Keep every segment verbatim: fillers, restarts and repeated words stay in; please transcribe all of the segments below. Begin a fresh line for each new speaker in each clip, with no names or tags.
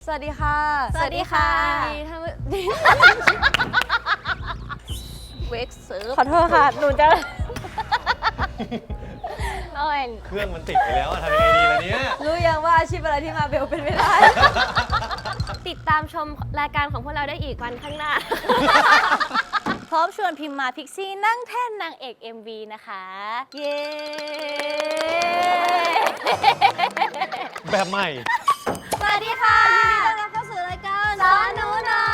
วัสดีค่ะ
สวัสดีค่ะ
ท่าน
เวกเซิร์ฟ
ขอโทษค่ะหนูจะ
โอ้ย
เครื่องมันติดไปแล้วทำยังไงดีล่ะเนี่ย
รู้ยังว่าอาชีพอะไรที่มาเบลเป็นไม่ได้
ติดตามชมรายการของพวกเราได้อีกวันข้างหน้า พร้อมชวนพิมพ์มาพิกซี่นั่งแท่นนางเอก เอ็ม วี นะคะเย้
แบบใหม่
สวัสดีค่ะยินดีต้อนรับเข้าสู่รายการสอนหนูหน่อย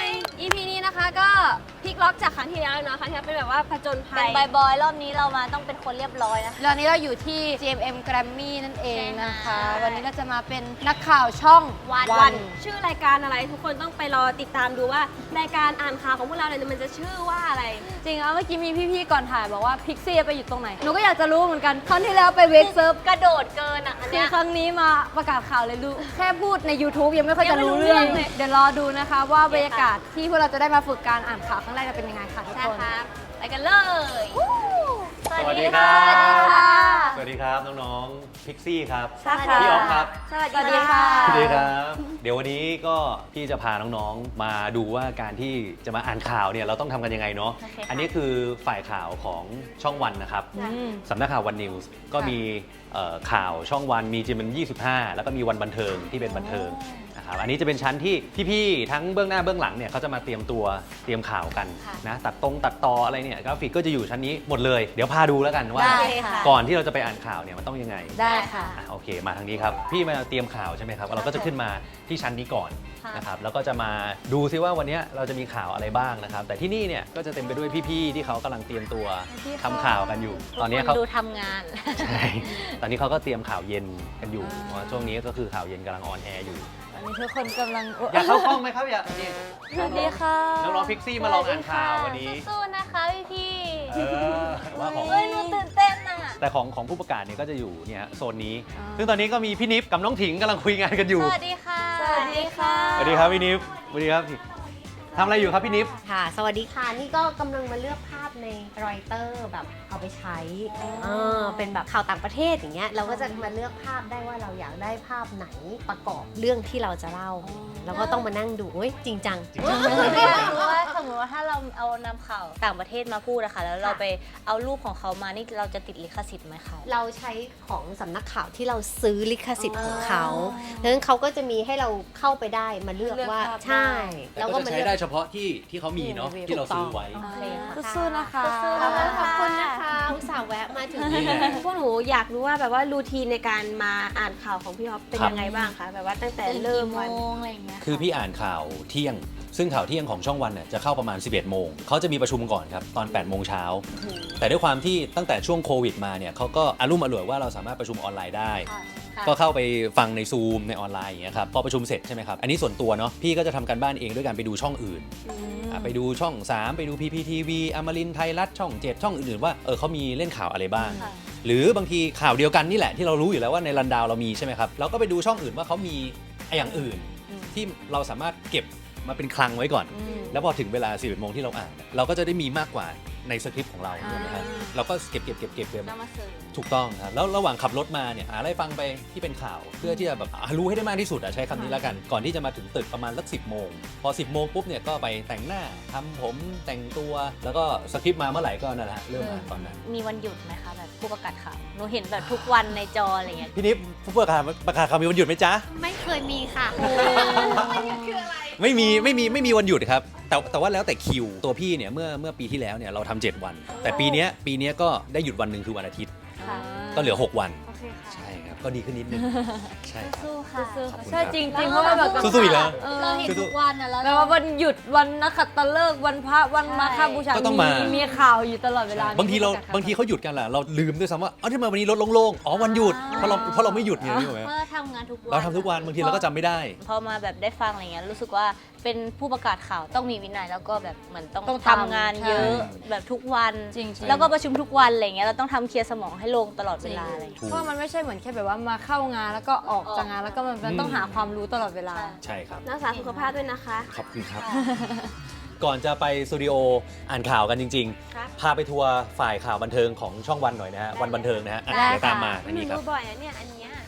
อี พี นี้นะคะก็พลิกล็อกจากครั้งที่แล้วเลยเนาะครั้งที่แล้วเป็นแบบว่าผจญภัยเป็นบอยบอยรอบนี้เรามาต้องเป็นคนเรียบร้อยนะ
ตอนนี้เราอยู่ที่ จี เอ็ม เอ็ม Grammy นั่นเองนะคะวันนี้เราจะมาเป็นนักข่าวช่อง
วันวันชื่อรายการอะไรทุกคนต้องไปรอติดตามดูว่ารายการอ่านข่าวของพวกเราเนี่ยมันจะชื่อว่าอะไร
จริงอ่ะเมื่อกี้มีพี่ๆก่อนถ่ายบอกว่าพิกซี่ไปอยู่ตรงไหนหนูก็อยากจะรู้เหมือนกันครั้งที่แล้วไปเวกเซิร์ฟ
กระโดดเกินอ่ะ
คือครั้งนี้มาประกาศข่าวเลยรู้แค่พูดใน YouTube ยังไม่ค่อยจะรู้เรื่องเลยเดี๋ยวรอดูนะคะว่าบรรยากาศที่พวกเราจะได้มาฝึกการอ่านข่าวครั้งแรกจะเป็นยังไงค่ะทุกคน
ไปกันเลย
สวัสดีครับสวัสดีครับน้องๆพิกซี่ครับพี่ออฟครับ
สวัสดีค่ะ
สวัสดีครับเดี๋ยววันนี้ก็พี่จะพาน้องๆมาดูว่าการที่จะมาอ่านข่าวเนี่ยเราต้องทำกันยังไงเนาะอันนี้คือฝ่ายข่าวของช่องวันนะครับสำนักข่าววันนิวส์ก็มีข่าวช่องวันมีจีมันยี่สิบห้าแล้วก็มีวันบันเทิงที่เป็นบันเทิงอันนี้จะเป็นชั้นที่พี่ๆทั้งเบื้องหน้าเบื้องหลังเนี่ยเขาจะมาเตรียมตัวเตรียมข่าวกันนะตัดตรงตัดต่ออะไรเนี่ยกราฟิกก็จะอยู่ชั้นนี้หมดเลยเดี๋ยวพาดูแล้วกันว่าก่อนที่เราจะไปอ่านข่าวเนี่ยมันต้องยังไง
ได้ค่ะ
โอเคมาทางนี้ครับพี่มาเตรียมข่าวใช่ไหมครับเราก็จะขึ้นมาที่ชั้นนี้ก่อนนะครับแล้วก็จะมาดูซิว่าวันนี้เราจะมีข่าวอะไรบ้างนะครับแต่ที่นี่เนี่ยก็จะเต็มไปด้วยพี่ๆที่เขากำลังเตรียมตัวทำข่าวกันอยู่ตอนนี้เขา
ดูทำงาน
ใช่ตอนนี้เขาก็เตรียมข่าวเย็นกันอยู่ช่วงนี้ก็คือข่าวเย็นกำลังออนแอร์อยู่
อันนี้ทุกคนกำลัง
อยากเข้ากล้องไหมครับอยากนี่
สวัสดีค่ะ
น้องๆพิกซี่มาลองอ่านข่าววันนี้
สู้ๆนะคะพี่
ๆว่าของ
เฮ้ยหนูตื่นเต้นอ่ะ
แต่ของของผู้ประกาศเนี่ยก็จะอยู่เนี่ยโซนนี้ซึ่งตอนนี้ก็มีพี่นิฟกับน้องถิงกำลังคุยงานกันอยู่
สวัสดีค่ะ
สวัสดีค่ะ
สวัสดีครับพี่นิฟสวัสดีครับทำอะไรอยู่ครับพี่นิฟ
ค่ะสวัสดีค่ะนี่ก็กำลังมาเลือกภาพในรอยเตอร์แบบเอาไปใช้เออเป็นแบบข่าวต่างประเทศอย่างเงี้ยเราก็จะมาเลือกภาพได้ว่าเราอยากได้ภาพไหนประกอบเรื่องที่เราจะเล่าแล้วก็ต้องมานั่งดูเฮ้ยจริงจัง
สมมติว่าสมมติว่าถ้าเราเอานำข่าวต่างประเทศมาพูดนะคะแล้วเราไปเอารูปของเขามานี่เราจะติดลิขสิทธิ์ไหมคะ
เราใช้ของสำนักข่าวที่เราซื้อลิขสิทธิ์ของเขาดังนั้นเขาก็จะมีให้เราเข้าไปได้มาเลือกว่าใช่
แล้วก็ใช้ได้เฉพาะที่ที่เขามีเนาะที่เราซื้อไว้
สู้ๆนะคะ
ขอบคุณนะคะอุตส่าห์แวะมาถึงนี่
พวกหนูอยากรู้ว่าแบบว่ารูทีนในการมาอ่านข่าวของพี่ฮอปเป็นยังไงบ้างคะแบบว่าตั้งแต่เริ่มวัน
อะไรอย่างเงี้ยคือพี่อ่านข่าวเที่ยงซึ่งข่าวเที่ยงของช่องวันเนี่ยจะเข้าประมาณสิบเอ็ดโมงเขาจะมีประชุมก่อนครับตอนแปดโมงเช้าแต่ด้วยความที่ตั้งแต่ช่วงโควิดมาเนี่ยเขาก็อารุ่มอร่วยว่าเราสามารถประชุมออนไลน์ได้ก็เข้าไปฟังในซูมในออนไลน์อย่างเงี้ยครับพอประชุมเสร็จใช่ไหมครับอันนี้ส่วนตัวเนาะพี่ก็จะทำการบ้านเองด้วยการไปดูช่องอื่นไปดูช่องสามไปดู พี พี ที วี อมรินทร์ไทยรัฐช่องเจ็ดช่องอื่นๆว่าเออเขามีเล่นข่าวอะไรบ้างหรือบางทีข่าวเดียวกันนี่แหละที่เรารู้อยู่แล้วว่าในรันดาวเรามีใช่ไหมครับเราก็ไปดูช่องอื่นว่าเขามีอย่างอื่นที่เราสามารถเก็บมาเป็นคลังไว้ก่อนแล้วพอถึงเวลาสิบเอ็ดโมงที่เราอ่านเราก็จะได้มีมากกว่าในสคริปต์ของเราใช่ไหมครับเราก็เก็บเก็บเก็บเก็บเก็บถูกต้องครับแล้วระหว่างขับรถมาเนี่ยหาอะไรฟังไปที่เป็นข่าวเพื่อที่จะแบบรู้ให้ได้มากที่สุดใช้คำนี้แล้วกันก่อนที่จะมาถึงตึกประมาณสักสิบโมงพอสิบโมงปุ๊บเนี่ยก็ไปแต่งหน้าทำผมแต่งตัวแล้วก็สคริปต์มาเมื่อไหร่ก็นั่นแหละเริ่มอ่านตอนนั้น
มีวันหยุดไหมคะแบบผู้ประกาศข่าวหนูเห็นแบบทุกวันในจออะไรเงี้ย
พี่นิฟผู้ประกาศประกาศข่าวมีวันหยุดไหมจ๊ะ
ไม่เคยมีค่ะ
วันหยุดคืออะไรไม่มีไม่มีไม่มีวันหยุดครับแต่แต่ว่าแล้วแต่คิวตัวพี่เนี่ยเมื่อเมื่อปีที่แล้วเนี่ยเราทำเจ็ดวันแต่ปีนี้ปีนี้ก็ได้หยุดวันหนึ่งคือวันอาทิตย์ก็เหลือหกวันใช่ครับก็ดีขึ้นนิดนึงใช่
สู้ค่ะ
ใช่จริงจริงเพราะว่าแบบ
สู้ๆอีกแล้ว
เราเห็นทุกวันนะ
แล้วแบบวันหยุดวันนักขัตฤกษ์วันพระวันมาฆบูชามีมีข่าวอยู่ตลอดเวลา
บางทีเราบางทีเขาหยุดกันแหละเราลืมด้วยซ้ำว่าเอ้าทำไมวันนี้รถโล่งๆอ๋อวันหยุดเพราะเราเพราะเราไม่หยุดไงรู้ไหม
เพราะเราทำงานทุกวัน
เราทำทุกวันบางทีเราก็จำไม่ได้
พอมาแบบได้ฟังอะไรเงี้ยรู้สึกว่าเป็นผู้ประกาศข่าวต้องมีวินัยแล้วก็แบบเหมือนต้องทำงานเยอะแบบทุกวันแล้วก็ประชุมทุกวันอะไรเงี้ยเราต้องทำเคลียร์สมองให้ลงตลอดเวลาอะไร
เพราะมันไม่ใช่เหมือนแค่แบบว่ามาเข้างานแล้วก็ออกจากงานแล้วก็มันต้องหาความรู้ตลอดเวลา
ใช่ครับ
รักษาสุขภาพด้วยนะคะ
ขอบคุณครับก่อนจะไปสตูดิโออ่านข่าวกันจริงๆพาไปทัวร์ฝ่ายข่าวบันเทิงของช่องวันหน่อยนะฮะวันบันเทิงนะฮะเดี๋ยวตามมาอันนี้ครับ
รู้บ่อยนะเนี่ยอันเนี้ย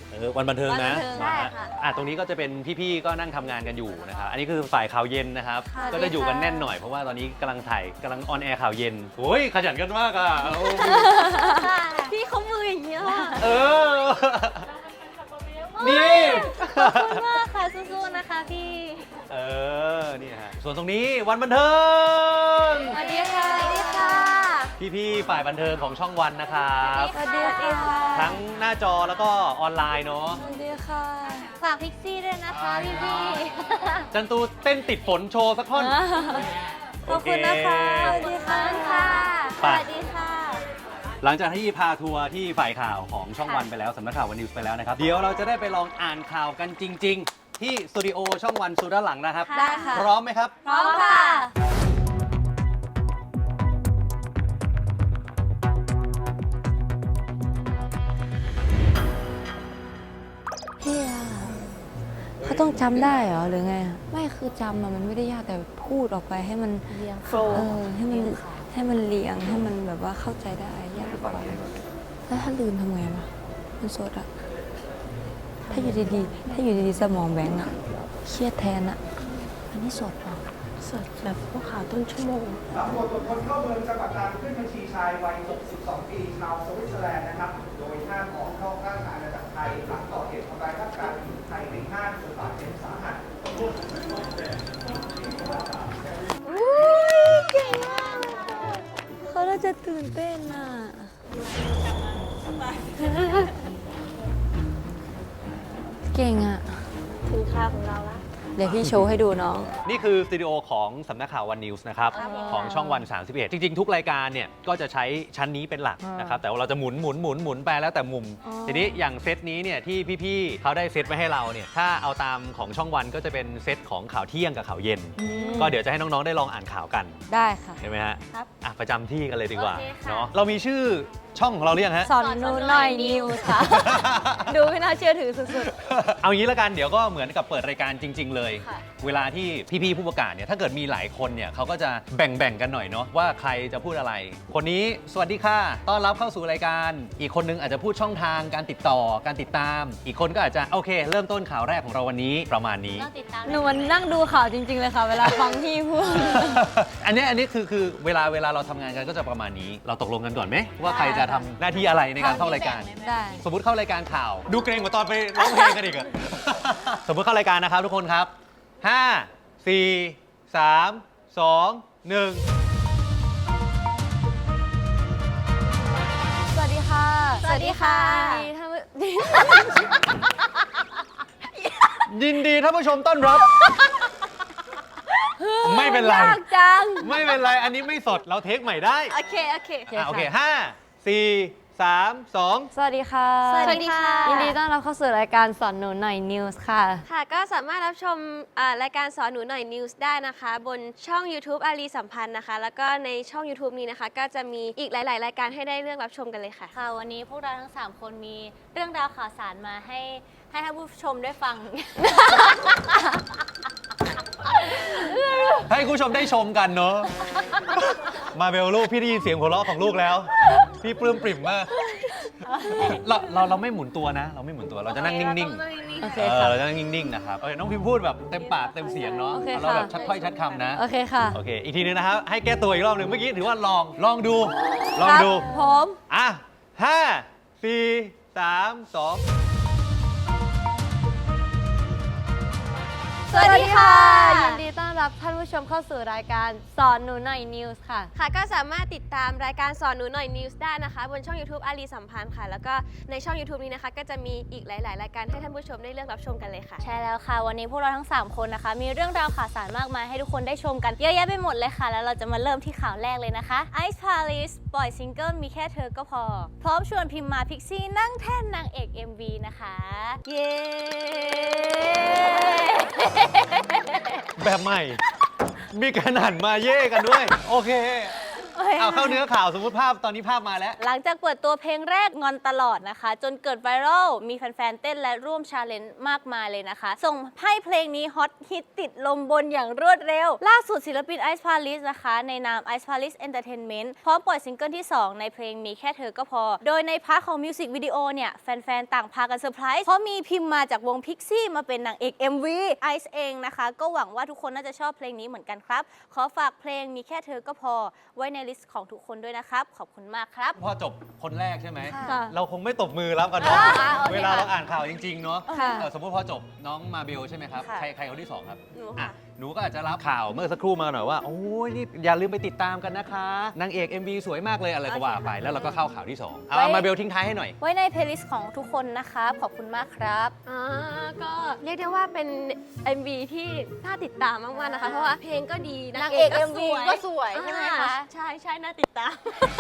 เออวันบันเทิงนะ
วันบันเทิงใช่ค่ะ
อ่ะตรงนี้ก็จะเป็นพี่ๆก็นั่งทำงานกันอยู่นะครับอันนี้คือฝ่ายข่าวเย็นนะครับ
ค่ะ
ก็จะอยู่กันแน่นหน่อยเพราะว่าตอนนี้กำลังถ่ายกำลังออนแอร์ข่าวเย็นโอ้ยขยันกันมากอ่ะโอ้ย
พี่เขามืออย่างเงี้ยค่ะ
เออนี่
ขอบคุณมากค่ะสู้ๆนะคะพี่
เออนี่ฮะส่วนตรงนี้วันบันเทิง
สวัสดีค่ะสวัสดีค่ะ
พี่ๆฝ่ายบันเทิงของช่องวันนะครับ
สวัสดีค่ะ
ทั้งหน้าจอแล้วก็ออนไลน์เนาะ
สวัสดีค่ะฝากพิกซี่ด้วยนะคะพี่พี่
จันตูเต้นติดฝนโชว์สักท่อน
ขอบคุณนะคะสวัสดีค่ะค่ะส
ไป
วัสดีค่ะ
หลังจากที่พาทัวร์ที่ฝ่ายข่าวของช่องวันไปแล้วสำนักข่าววันนิวส์ไปแล้วนะครับ เดี๋ยวเราจะได้ไปลองอ่านข่าวกันจริง ๆ ที่สตูดิโอช่องวันสุดด้านหลังนะครับ
ได้ค่ะ
พร้อมไหมครับ
พร้อมค่ะ
พี่อะเขาต้องจำได้เหรอหรือไงอะไม่คือจำอะมันไม่ได้ยากแต่พูดออกไปให้มัน
เรียง
เออให้มันให้มันเรียงให้มันแบบว่าเข้าใจได้ยากกว่าแล้วถ้าลืมทำไงวะมันสดอะถ้าอยู่ดีๆถ้าอยู่ดีๆสมองแบงก์อะเครียดแทนอะอันนี้สดเหรอ
สดแบบพวกข่าวต้นชั่วโมง
ตำรวจตรวจคนเข้าเมืองจังหวัดตรังขึ้นบัญชีชายวัย หกสิบสอง ปี ชาวสวิตเซอร์แลนด์นะครับ โดยห้ามออกนอกราชอาณาจักรไทยหลังก่อเหตุทำร้ายร่างกายหญิงไทยในห้างจนบาดเจ็บสาหัส
เก่งมากเขาน่าจะตื่นเต้นอะเก่งอะ
ถึงคราวของเราแล้ว
เดี๋ยวพี่โชว์ให้ดูน้อง
นี่คือสตูดิโอของสำนักข่าววันนิวส์นะครับ
ครับผม
ของช่องวัน สามสิบเอ็ด จริง ๆ ทุกรายการเนี่ยก็จะใช้ชั้นนี้เป็นหลักนะครับ แต่ว่าเราจะหมุนหมุนหมุนหมุนไปแล้วแต่มุม
อ๋อ
ทีนี้อย่างเซตนี้เนี่ยที่พี่ๆเขาได้เซตไว้ให้เราเนี่ยถ้าเอาตามของช่องวันก็จะเป็นเซตของข่าวเที่ยงกับข่าวเย็น ก็เดี๋ยวจะให้น้องๆได้ลองอ่านข่าวกัน
ได้ค่ะ
เห็นไหมฮะ
ครับ
อ่ะประจำที่กันเลยดีกว่า
โอเคค่ะ
เนาะเรามีชื่อช่องของเราหรือยังฮะ
สอนหนูหน่อยนิวส์ค่ะ ดูไม่น่าเชื่อถือสุด
เอางี้ละกันเดี๋ยวก็เหมือนกับเปิดรายการจริง ๆ เลย
ค่ะ
เวลาที่พี่ๆผู้ประกาศเนี่ยถ้าเกิดมีหลายคนเนี่ยเขาก็จะแบ่งๆกันหน่อยเนาะว่าใครจะพูดอะไร คนนี้สวัสดีค่ะต้อนรับเข้าสู่รายการ อีกคนนึงอาจจะพูดช่องทางการติดต่อการติดตาม อีกคนก็อาจจะโอเค เริ่มต้นข่าวแรกของเราวันนี้ประมาณนี้
ต้องติดตาม
ๆ หนูมันนั่งดูข่าวจริง ๆ เลยค่ะ เวลาฟังพี่พูด
อันนี้อันนี้คือคือเวลาเวลาเราทำงานกันก็จะประมาณนี้ เราตกลงกันก่อนไหมว่าใครจะทำหน้าที่อะไรในการเข้ารายการ
ได้
สมมติเข้ารายการข่าว ดูเกรงกว่าตอนไปร้องเพลงกันอีกอะ สมมติเข้ารายการนะครับทุกคนครับ ห้า สี่ สาม สอง หนึ่ง
สวัสดีค่ะ
สวัสดีค่ะ
ยินดีท่านผู้
ยินดีท่านผู้ชมต้อนรับ ไม่เป็นไร
ยากจัง
ไม่เป็นไร อันนี้ไม่สด เราเทคใหม่ได้
โอเค โอเค
อ่ะโอเคห้า สี่ สาม สอง
สวัสดีค่ะ
สวัสดีค่ะ
ยินดีต้อนรับเข้าสู่รายการสอนหนูหน่อยนิวส์ค่ะ
ค่ะก็สามารถรับชมอ่ารายการสอนหนูหน่อยนิวส์ได้นะคะ บนช่อง YouTube อารีสัมพันธ์นะคะ แล้วก็ในช่อง YouTube นี้นะคะ ก็จะมีอีกหลาย ๆ รายการให้ได้เลือกรับชมกันเลยค่ะ
ค่ะวันนี้พวกเราทั้ง สาม คนมีเรื่องราวข่าวสารมาให้ให้ท่านผู้ชมได้ฟัง
ให้คุณผู้ชมได้ชมกันเนอะ มาเบลลูกพี่ได้ยินเสียงหัวเราะของลูกแล้ว พี่ปลื้มปริ่มมาก เราเราเราไม่หมุนตัวนะ เราไม่หมุนตัวเราจะนั่งนิ่งๆ
โอเค
เออ
ค่ะ
เราจะนั่งนิ่งๆนะครับเออน้องพิมพูดแบบเต็มปากเต็มเสียงเนาะ
โอเค
เราแบบ
ค่ะ
ชัดถ้อยชัดคำนะ
โอเคค่ะ
โอเค อีกทีนึงนะครับ ให้แก้ตัวอีกรอบหนึ่งเมื่อกี้ถือว่าลอง ลองดู ลองดู
พร้อม
อ่ะห้า สี่ สาม สอง
สวัสดีค่ะ ยินดีต้อนรับท่านผู้ชมเข้าสู่รายการสอนหนูหน่อยนิวส์ค่ะ
ค่ะก็สามารถติดตามรายการสอนหนูหน่อยนิวส์ได้นะคะ บนช่อง YouTube อารีสัมพันธ์ค่ะ แล้วก็ในช่อง YouTube นี้นะคะ ก็จะมีอีกหลาย ๆ รายการให้ท่านผู้ชมได้เลือกรับชมกันเลยค่ะ
ใช่แล้วค่ะ วันนี้พวกเราทั้ง สาม คนนะคะ มีเรื่องราวข่าวสารมากมายให้ทุกคนได้ชมกันเยอะแยะไปหมดเลยค่ะ แล้วเราจะมาเริ่มที่ข่าวแรกเลยนะคะ Ice Palace ปล่อยซิงเกิลมีแค่เธอก็พอ พร้อมชวนพิมพ์มาพิกซี่นั่งแท่นนางเอก เอ็ม วี นะคะ เย้
แบบใหม่ มีการหันมาเย่กันด้วย โอเค
โอเค
เลยอะ
เอาเข้าเนื้อข่าวสมมติภาพตอนนี้ภาพมาแล้ว
หลังจากเปิดตัวเพลงแรกงอนตลอดนะคะ จนเกิดไวรัลมีแฟนๆ เต้นและร่วมชาเลนจ์มากมายเลยนะคะ ส่งให้เพลงนี้ฮอตฮิตติดลมบนอย่างรวดเร็ว ล่าสุดศิลปิน Ice Palace นะคะ ในนาม Ice Palace Entertainment พร้อมปล่อยซิงเกิลที่ สอง ในเพลงมีแค่เธอก็พอ โดยในพาร์ทของมิวสิกวิดีโอเนี่ยแฟนๆ ต่างพากันเซอร์ไพรส์เพราะมีพิมพ์มาจากวง Pixie มาเป็นนางเอก เอ็ม วี Ice เองนะคะก็หวังว่าทุกคนน่าจะชอบเพลงนี้เหมือนกันครับขอฝากเพลงมีแค่เธอก็พอไว้ในลิสต์ของทุกคนด้วยนะครับขอบคุณมากครับ
พอจบคนแรกใช่ไหม
ค่ะ
เราคงไม่ตบมือรับกันเนาะ
อ่าโอเค
เวลาเรา
ค่ะ
อ่านข่าวจริง ๆ เนาะ
ค่ะ
เออสมมติพอจบน้องมาเบลใช่ไหมครับ
ค่ะ
ใครใครคนที่สองครับ
หนู
อ่ะ
ค่ะ
หนูก็อาจจะรับข่าวเมื่อสักครู่มาหน่อยว่า โอ้ยนี่อย่าลืมไปติดตามกันนะคะนางเอก เอ็ม วี สวยมากเลยอะไรก็ว่าไปแล้วเราก็เข้าข่าวที่สองเอามาเบลทิ้งท้ายให้หน่อย
ไว้ในเพลย์ลิสต์ของทุกคนนะครับขอบคุณมากครับ
อ่าก็เรียกได้ว่าเป็น เอ็ม วี ที่น่าติดตามมากๆนะคะ เพราะว่าเพลงก็ดี
นางเอก เอ็ม วี ก็สวยใช่ไหมคะ
อ่าใช่ใช่น่าติดตาม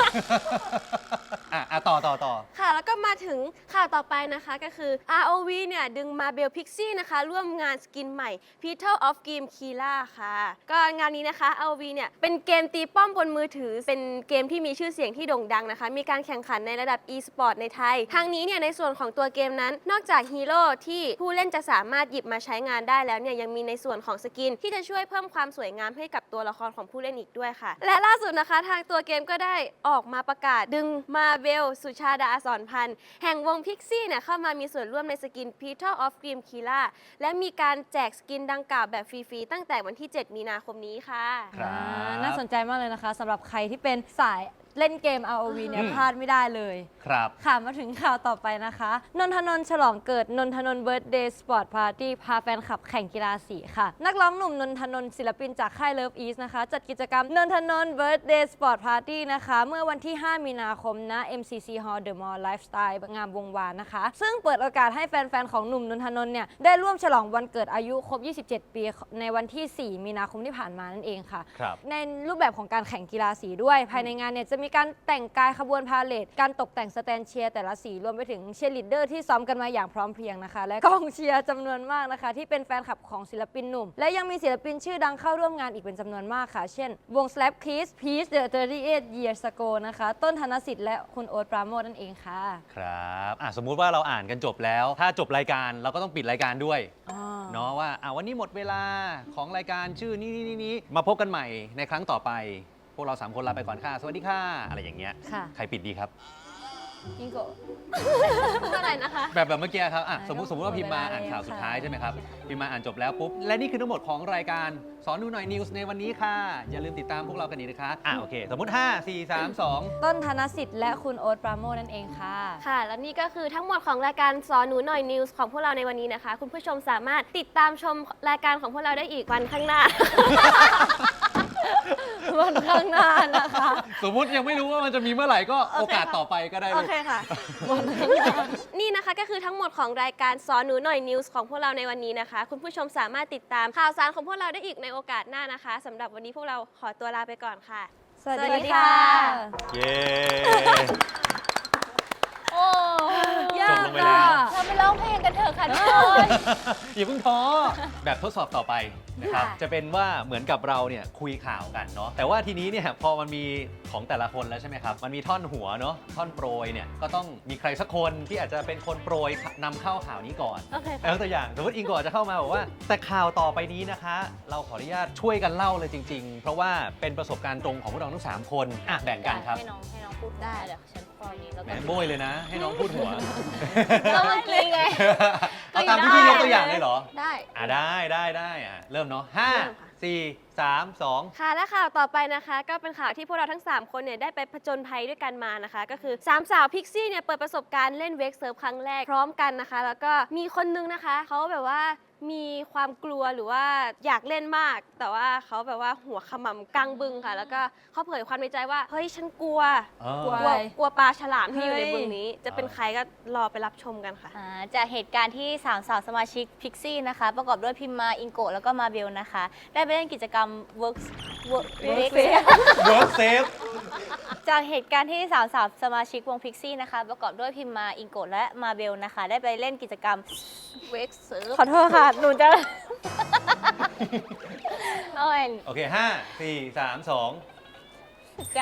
อ่ะอ่ะต่อต่อต่อ
ค่ะ แล้วก็มาถึงข่าวต่อไปนะคะก็คือ อาร์ โอ วี เนี่ย ดึงมาเบลพิกซี่นะคะ ร่วมงานสกินใหม่ Petal of Game Killa ค่ะ ก็งานนี้นะคะ อาร์ โอ วี เนี่ย เป็นเกมตีป้อมบนมือถือ เป็นเกมที่มีชื่อเสียงที่โด่งดังนะคะ มีการแข่งขันในระดับ e-sport ในไทย ทางนี้เนี่ยในส่วนของตัวเกมนั้น นอกจากฮีโร่ที่ผู้เล่นจะสามารถหยิบมาใช้งานได้แล้วเนี่ยยังมีในส่วนของสกินที่จะช่วยเพิ่มความสวยงามให้กับตัวละครของผู้เล่นอีกด้วยค่ะ และล่าสุดนะคะทางตัวเกมก็ได้ออกมาประกาศดึงมาเบลสุชาดาสอนพันธ์แห่งวงพิกซี่เนี่ยเข้ามามีส่วนร่วมในสกิน Petal of Game Killa และมีการแจกสกินดังกล่าวแบบฟรีๆตั้งแต่วันที่ เจ็ด มีนาคมนี้ค่ะ
ครับ
อ่าน่าสนใจมากเลยนะคะสำหรับใครที่เป็นสายเล่นเกม อาร์ โอ วี เนี่ย
อืม
พลาดไม่ได้เลย
ครับ
ค่ะมาถึงข่าวต่อไปนะคะ นนทนนท์ฉลองเกิดนนทนนท์เบิร์ d เดย์สปอร์ตพาร์ตี้พาแฟนคลับแข่งกีฬาสีค่ะ นักร้องหนุ่มนนทนนท์ศิลปินจากค่าย Love East นะคะ จัดกิจกรรมนนทนนท์เบิร์ d เดย์สปอร์ตพาร์ตี้นะคะ เมื่อวันที่ ห้า มีนาคมณ เอ็ม ซี ซี Hall The Mall Lifestyle งามวงวานนะคะ ซึ่งเปิดโอกาสให้แฟนๆ ของหนุ่มนนทนนท์เนี่ยได้ร่วมฉลองวันเกิดอายุครบ ยี่สิบเจ็ด ปีในวันที่ สี่ มีนาคมที่ผ่านมานั่นเองค่ะ
ครับ
ในรูปแบบของการแข่งกีฬาสีด้วย ภายในงานเนี่ยจะมีการแต่งกายขบวนพาเหรดการตกแต่งสแตนเชียร์แต่ละสีรวมไปถึงเชียร์ลีดเดอร์ที่ซ้อมกันมาอย่างพร้อมเพรียงนะคะ และกองเชียร์จำนวนมากนะคะ ที่เป็นแฟนคลับของศิลปินหนุ่ม และยังมีศิลปินชื่อดังเข้าร่วมงานอีกเป็นจำนวนมากค่ะ เช่น วง Slap Kiss Peace The สามสิบแปด Years Ago นะคะ ต้นธนสิทธิ์และคุณโอ๊ตปราโมชนั่นเองค่ะ
ครับอ่ะสมมุติว่าเราอ่านกันจบแล้ว ถ้าจบรายการเราก็ต้องปิดรายการด้วย เนาะว่าอ่ะวันนี้หมดเวลาของรายการชื่อนี้นี้นี้มาพบกันใหม่ในครั้งต่อไป พวกเราสามคนลาไปก่อนค่ะ สวัสดีค่ะ อะไรอย่างเงี้ย
ค่ะ
ใครปิดดีครับ
อิงโกะ
อะไรนะคะ
แบบแบบเมื่อกี้ครับอ่ะ
อ่ะ
สมมติสมมติว่าพิมพ์มา
หมดเวลา
อ่านข่าว
แล้ว
สุดท้าย
ค่ะ
ใช่ไหมครับ พิมพ์มาอ่านจบแล้วปุ๊บ และนี่คือทั้งหมดของรายการสอนดูหน่อยนิวส์ในวันนี้ค่ะ อย่าลืมติดตามพวกเรากันอีกนะคะอ่ะโอเค สมมติ ห้า สี่ สาม สอง
ต้นธนสิทธิ์และคุณโอ๊ตปราโมชนั่นเองค่ะ
ค่ะ และนี่ก็คือทั้งหมดของรายการสอนหนูหน่อยนิวส์ของพวกเราในวันนี้นะคะ คุณผู้ชมสามารถติดตามชมรายการของพวกเราได้อีกวันข้างหน้า
วันข้างหน้านะคะ
สมมุติยังไม่รู้ว่ามันจะมีเมื่อไหร่ก็โอกาสต่อไปก็ได้เล
โอย เคค่ะ นี่นะคะก็คือทั้งหมดของรายการสอนหนูหน่อยนิวส์ของพวกเราในวันนี้นะคะ คุณผู้ชมสามารถติดตามข่าวสารของพวกเราได้อีกในโอกาสหน้านะคะสำหรับวันนี้พวกเราขอตัวลาไปก่อนค่ะ
สวัส
สวัสดี
ดี
ค่ะ
ค่ะ
เย้
โอ้
ยาก
จบลงไปแล้ว
อะ
เราไปร้องเพลงกันเถอะค่ะทุกคน
อย่าเพิ่งท้อแบบทดสอบต่อไปนะครับ
ค่ะ
จะเป็นว่าเหมือนกับเราเนี่ยคุยข่าวกันเนาะแต่ว่าทีนี้เนี่ยพอมันมีของแต่ละคนแล้วใช่ไหมครับมันมีท่อนหัวเนาะท่อนโปรยเนี่ยก็ต้องมีใครสักคนที่อาจจะเป็นคนโปรยนำเข้าข่าวนี้ก่อน
โอเคค่ะ
ยกตัวอย่างสมมติอิงก่อนจะเข้ามาบอกว่า แต่ข่าวต่อไปนี้นะคะ เราขออนุญาตช่วยกันเล่าเลยจริง ๆ เพราะว่าเป็นประสบการณ์ตรงของพวกเราทั้งสามคนอ่ะแบ่งกันครับ
ให้น้องให้น้องพูดได้เดี๋ยวฉันพอนี้แล้ว
แหม
กัน
โบยเลยนะ ให้น้องพูดหัว
ก็เมื่อกี้ไง
เอาตามที่พี่ยกตัวอย่างเลยเหรอ
ได้
อ่ะได้ได้ได้อ่ะเริ่มเนาะห้า
เริ่มค่ะ
สี่สามสอง
ค่ะและข่าวต่อไปนะคะ ก็เป็นข่าวที่พวกเราทั้ง สาม คนเนี่ยได้ไปผจญภัยด้วยกันมานะคะ ก็คือสามสาวพิกซี่เนี่ยเปิดประสบการณ์เล่นเวกเซิร์ฟครั้งแรกพร้อมกันนะคะ แล้วก็มีคนนึงนะคะเขาแบบว่ามีความกลัวหรือว่าอยากเล่นมาก แต่ว่าเขาแบบว่าหัวขมำกลางบึงค่ะ แล้วก็เขาเผยความในใจว่าเฮ้ยฉันกลัว
เออ
กลัว
กลัวกลัวปลาฉลามที่อยู่ใน
เฮ้ย
บึงนี้ จะเป็นใครก็รอไปรับชมกันค่ะ
อ่าจากเหตุการณ์ที่สามสาวสมาชิกพิกซี่นะคะ ประกอบด้วยพิมมาอิงโกะแล้วก็มาเบลนะคะ ได้ไปเล่นกิจกรรม Work Work Work
Work Safe
จากเหตุการณ์ที่สาวสาวสมาชิกวงพิกซี่นะคะ ประกอบด้วยพิมมาอิงโกะและมาเบลนะคะ ได้ไปเล่นกิจกรรม
Wake Surf
ขอโทษค่ะ หนูจะ เอาเอง
โอเคห้าสี่สามสอง
จาก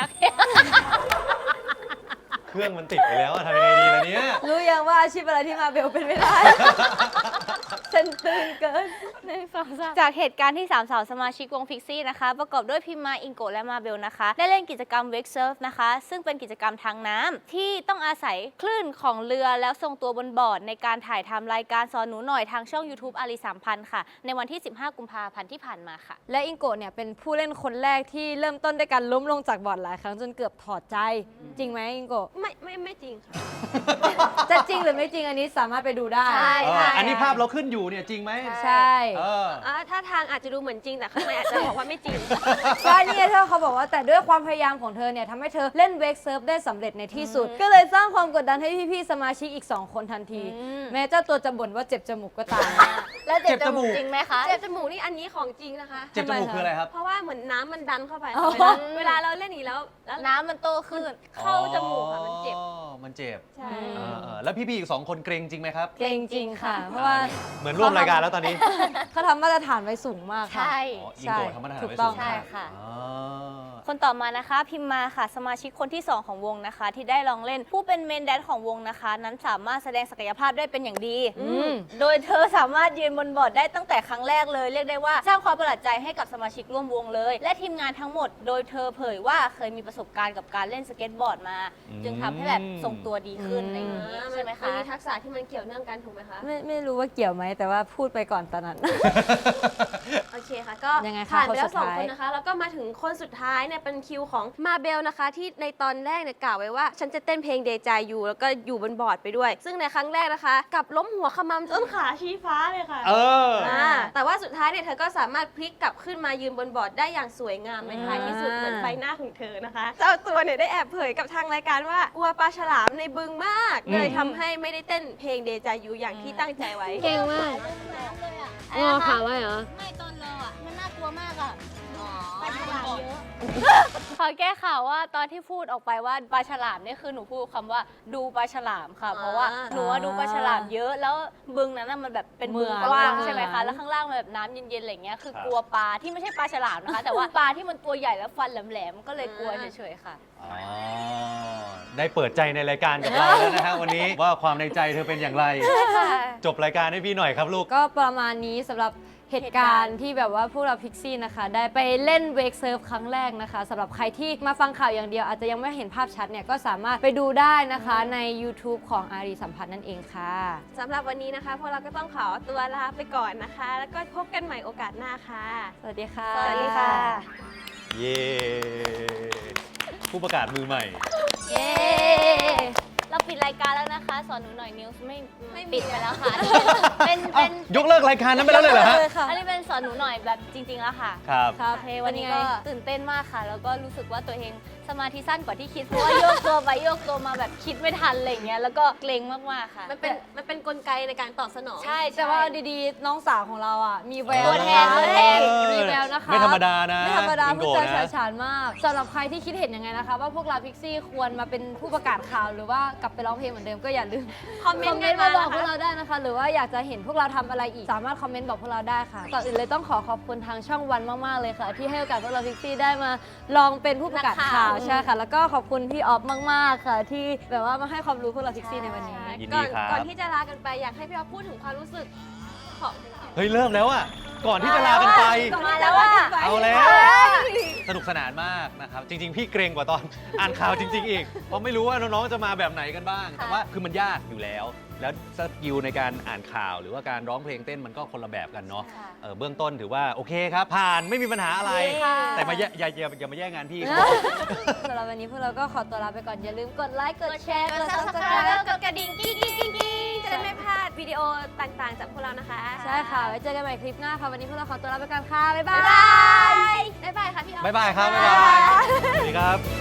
เครื่องมันติดไปแล้วอะทำยังไงดีล่ะเนี่ย
รู้ยังว่าอาชีพอะไรที่มาเบลเป็นไม่ได้ ฉันตื่นเกิน
หนึ่งสองสามจากเหตุการณ์ที่สามสาวสมาชิกวงพิกซี่นะคะ ประกอบด้วยพิมมาอิงโกะและมาเบลนะคะ ได้เล่นกิจกรรมเวกเซิร์ฟนะคะ ซึ่งเป็นกิจกรรมทางน้ำที่ต้องอาศัยคลื่นของเรือแล้วทรงตัวบนบอร์ดในการถ่ายทำรายการสอนหนูหน่อยทางช่อง YouTube อารีสามพันค่ะ ในวันที่ สิบห้า กุมภาพันธ์ที่ผ่านมาค่ะ
และอิงโกะเนี่ยเป็นผู้เล่นคนแรกที่เริ่มต้นด้วยการล้มลงจากบอร์ดหลายครั้งจนเกือบถอดใจ จริงไหมอิงโกะ
ไม่ไม่ไม่จริงค่ะ
จะจริงหรือไม่จริงอันนี้สามารถไปดูได้
ใช่
เอออันนี้ภาพเราขึ้นอยู่เนี่ยจริงไหม
ใช่
เออ
อ่าถ้าทางอาจจะดูเหมือนจริงแต่ข้างในอาจจะบอกว่าไม่จริง
ก็เนี่ยเธอเขาบอกว่าแต่ด้วยความพยายามของเธอเนี่ยทำให้เธอเล่นเวกเซิร์ฟได้สำเร็จในที่สุด ก็เลยสร้างความกดดันให้พี่ๆสมาชิกอีก 2 คนทันที
อืม
แม้เจ้าตัวจะบ่นว่าเจ็บจมูกก็ตาม
แล้วเจ็บ
เจ็บ
จ
จมู
มูก
ก
จริงไหมคะ
เจ็บจมูกนี่อันนี้ของจริงนะคะ
เจ็บจมูกคืออะไรครับ
เพราะว่าเหมือนน้ำมันดันเข้าไป
อ๋อ
เวลาเวลาเราเล่นอย่างนี้แล้วแล้ว
น้ำมันโตขึ้น
เข้าจมูกค่ะมันเจ็บ
อ๋อมันเจ็บ
ใช่
เออเออแล้วพี่ๆอีกสองคนเกรงจริงไหมครับ
เกรงจริงค่ะ เพราะว่า
เหมือนร่วมรายการแล้วตอนนี้
เขาทำมาตรฐานไว้สูงมากค่ะ
ใช่
อ๋ออิงโกะทำมาตรฐาน
ถูก
ไว้
ต้
สู
อง
ง
ใช่
มาก
ค่ะ
อ๋อ
คนต่อมานะคะพิมมาค่ะสมาชิกคนที่สองของวงนะคะ ที่ได้ลองเล่นผู้เป็นเมนแดนของวงนะคะ นั้นสามารถแสดงศักยภาพได้เป็นอย่างดี
อืม
โดยเธอสามารถยืนบนบอร์ดได้ตั้งแต่ครั้งแรกเลย เรียกได้ว่าสร้างความประหลาดใจให้กับสมาชิกร่วมวงเลย และทีมงานทั้งหมด โดยเธอเผยว่าเคยมีประสบการณ์กับการเล่นสเก็ตบอร์ดมา จึงทำให้แบบทรงตัวดีขึ้นอะไรอย่างนี้ใช่ไหม
มัน
คะ
มีทักษะที่มันเกี่ยวเนื่องกันถูกไหมคะ
ไม่ไม่รู้ว่าเกี่ยวไหมแต่ว่าพูดไปก่อนตอนนั้น
โอเคค่ะ ก็
ยังไงคะ
ผ่านไป
คน
แล้
สุ
ว
ด
สอง
ท้าย
คนนะคะ แล้วก็มาถึงคนสุดท้ายเนี่ยเป็นคิวของมาเบลนะคะ ที่ในตอนแรกเนี่ยกล่าวไว้ว่า ฉันจะเต้นเพลงเดจายอยู่แล้วก็อยู่บนบอร์ดไปด้วย ซึ่งในครั้งแรกนะคะกลับล้มหัวขมำจนขาชี้ฟ้าเลยค่ะ
เออ
อ่าแต่ว่าสุดท้ายเนี่ยเธอก็สามารถพลิกกลับขึ้นมายืนบนบอร์ดได้อย่างสวยงามในท้ายที่สุดเหมือนใบหน้าของเธอนะคะ เจ้าตัวเนี่ยได้แอบเผยกับทางรายการว่ากลัวปลาฉลามในบึงมาก
อืม
เลยทำให้ไม่ได้เต้นเพลงเดจายูอย่างที่ตั้งใจไว้
เก่งมากงอขาไว้เหรอ
ไม่ตอนเราอ่ะมันน่ากลัวมากอ่ะปลาฉลามเยอะ ขอแก้ข่าวว่าตอนที่พูดออกไปว่าปลาฉลามเนี่ยคือหนูพูดคำว่าดูปลาฉลามค่ะ เพราะว่าหนูว่าดูปลาฉลามเยอะแล้วบึงนั้นน่ะมันแบบเป็นบึงกว้างใช่ไหมคะแล้วข้างล่างมันแบบน้ำเย็นๆอะไรเงี้ยคือกลัวปลาที่ไม่ใช่ปลาฉลามนะคะ แต่ว่าปลาที่มันตัวใหญ่แล้วฟันแหลมๆก็เลยกลัวเฉยๆค่ะ
อ๋อได้เปิดใจในรายการกับเราแล้วนะฮะวันนี้ว่าความในใจเธอเป็นอย่างไร จบรายการให้พี่หน่อยครับลูก
ก็ประมาณนี้สำหรับเหตุการณ์ที่แบบว่าพวกเราพิกซี่นะคะ ได้ไปเล่นเวกเซิร์ฟครั้งแรกนะคะสำหรับใครที่มาฟังข่าวอย่างเดียวอาจจะยังไม่เห็นภาพชัดเนี่ยก็สามารถไปดูได้นะคะใน YouTube ของอารีสัมพันธ์นั่นเองค่ะ
สำหรับวันนี้นะคะพวกเราก็ต้องขอตัวลาไปก่อนนะคะ แล้วก็พบกันใหม่โอกาสหน้าค่ะ
สวัสดีค่ะ
สวัสดีค่ะ
เย้ผู้ประกาศมือใหม่
เย้ เราปิดรายการแล้วนะคะ สอนหนูหน่อยนิวส์ไม่
ไม่มี
ปิดไปแล้วค่ะ เป็นเป็น
ยกเลิกรายการนั้นไปแล้วเลยเหรอฮะ
อันนี้เป็นสอนหนูหน่อยแบบจริง ๆ แล้วค่ะ
ครับ
ครับ
โอเควันนี้
เป็น
ก็
ไง
ตื่นเต้นมากค่ะ แล้วก็รู้สึกว่าตัวเองสมาธิสั้นกว่าที่คิด เพราะว่าโยกตัวไปโยกตัวมาแบบคิดไม่ทันอะไรอย่างเงี้ย แล้วก็เกรงมากๆค่ะ
มันเป็นมันเป็นกลไกในการตอบสนอง
ใช่
แต่ว่าดีๆ น้องสาวของเราอ่ะ มีแวว
ตัวแทน
นะคะ
ตัวแทน
มีแววนะคะ
ไม่ธรรมดานะ
ไม่ธรรมดา
อิง
พูด
โกะ
จา
นะ
ฉาฉานมากสำหรับใครที่คิดเห็นยังไงนะคะ ว่าพวกเราพิกซี่ควรมาเป็นผู้ประกาศข่าว หรือว่ากลับไปร้องเพลงเหมือนเดิมก็อย่าลืม
คอมเมนต์กัน
มา
มา
บอกพวก
นะคะ
เราได้นะคะ หรือว่าอยากจะเห็นพวกเราทำอะไรอีก สามารถคอมเมนต์บอกพวกเราได้ค่ะก่อนอื่นเลยต้องขอขอบคุณทางช่องวันมากๆเลยค่ะ ที่ให้โอกาสพวกเราพิกซี่ได้มาลองเป็นผู้ประกาศข่าวใช่ค่ะ แล้วก็ขอบคุณพี่ออฟมากๆค่ะ ที่แบบว่ามาให้ความรู้พวกเราพิกซี่ในวันนี้
ยิน
ก่
ดี
อน
ครับ
ก่อนที่จะลากันไปอยากให้พี่อ๊อฟพูดถึงความรู้สึกของ
เฮ้ย เริ่มแล้วอ่ะ ก่อนที่จะลากันไป
มาแล้วว่า
เอาแล้ว สนุกสนานมากนะครับ จริง ๆ พี่เกรงกว่าตอน อ่านข่าวจริง ๆ อีก เพราะไม่รู้ว่าน้อง ๆ จะมาแบบไหนกันบ้าง แต่ว่าคือมันยากอยู่แล้ว แล้วสกิลในการอ่านข่าว หรือว่าการร้องเพลงเต้นมันก็คนละแบบกันเนาะ
ค่ะ
เออเบื้องต้นถือว่าโอเคครับ ผ่านไม่มีปัญหาอะไร
ค่ะ
แต่มาแย่อย่าอย่าอย่ามาแย่งงานพี่
สำหรับวันนี้พวกเราก็ขอตัวลาไปก่อน อย่าลืมกดไลค์ กดแชร์
ก
ก
ด
ด
ซับสไคร
subscribe
ต์แล้วกดกระดิ่งกิ๊งกิ๊งกิ๊งกิ๊งจะได้ไม่พลาดวิดีโอต่างๆ จากพวกเรานะคะ
ใช่ค่ะ ไว้เจอกันใหม่คลิปหน้าค่ะ วันนี้พวกเราขอตัวลาไปก่อนค่ะ บ๊ายบา
บ๊าย
ย
บาย บ๊ายบายค่ะพี่อ๊อฟ
บ๊ายบายครับ บ๊ายบาย สวัสดีครับ